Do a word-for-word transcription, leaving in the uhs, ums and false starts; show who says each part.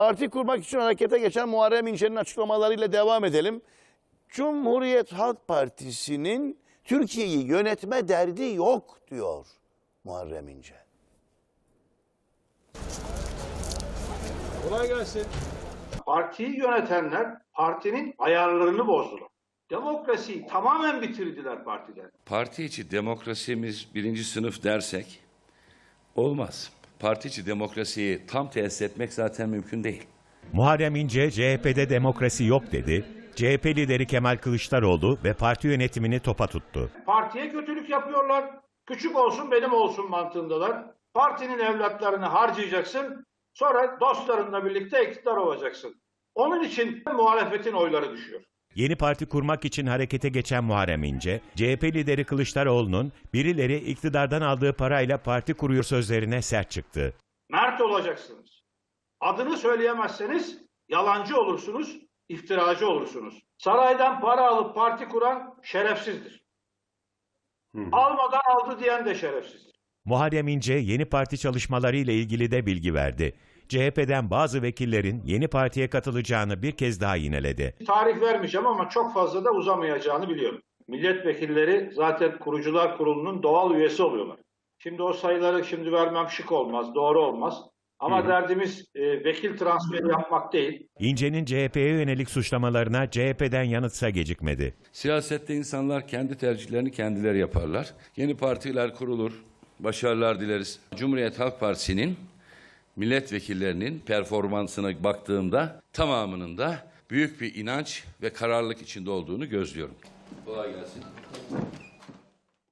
Speaker 1: Parti kurmak için harekete geçen Muharrem İnce'nin açıklamalarıyla devam edelim. Cumhuriyet Halk Partisi'nin Türkiye'yi yönetme derdi yok diyor Muharrem İnce.
Speaker 2: Kolay gelsin.
Speaker 3: Partiyi yönetenler partinin ayarlarını bozdular. Demokrasiyi tamamen bitirdiler partide.
Speaker 4: Parti içi demokrasimiz birinci sınıf dersek olmaz. Parti içi demokrasiyi tam tesis etmek zaten mümkün değil.
Speaker 5: Muharrem İnce C H P'de demokrasi yok dedi. C H P lideri Kemal Kılıçdaroğlu ve parti yönetimini topa tuttu.
Speaker 3: Partiye kötülük yapıyorlar. Küçük olsun benim olsun mantığındalar. Partinin evlatlarını harcayacaksın. Sonra dostlarınla birlikte iktidar olacaksın. Onun için muhalefetin oyları düşüyor.
Speaker 5: Yeni parti kurmak için harekete geçen Muharrem İnce, C H P lideri Kılıçdaroğlu'nun birileri iktidardan aldığı parayla parti kuruyor sözlerine sert çıktı.
Speaker 3: Mert olacaksınız. Adını söyleyemezseniz yalancı olursunuz, iftiracı olursunuz. Saraydan para alıp parti kuran şerefsizdir. Hı. Almadan aldı diyen de şerefsizdir.
Speaker 5: Muharrem İnce yeni parti çalışmaları ile ilgili de bilgi verdi. C H P'den bazı vekillerin yeni partiye katılacağını bir kez daha yineledi.
Speaker 3: Tarih vermeyeceğim ama çok fazla da uzamayacağını biliyorum. Milletvekilleri zaten kurucular kurulunun doğal üyesi oluyorlar. Şimdi o sayıları şimdi vermem şık olmaz, doğru olmaz. Ama Hı. derdimiz e, vekil transferi yapmak değil.
Speaker 5: İnce'nin C H P'ye yönelik suçlamalarına C H P'den yanıtsa gecikmedi.
Speaker 4: Siyasette insanlar kendi tercihlerini kendileri yaparlar. Yeni partiler kurulur, başarılar dileriz. Cumhuriyet Halk Partisi'nin milletvekillerinin performansına baktığımda tamamının da büyük bir inanç ve kararlılık içinde olduğunu gözlüyorum. Kolay gelsin.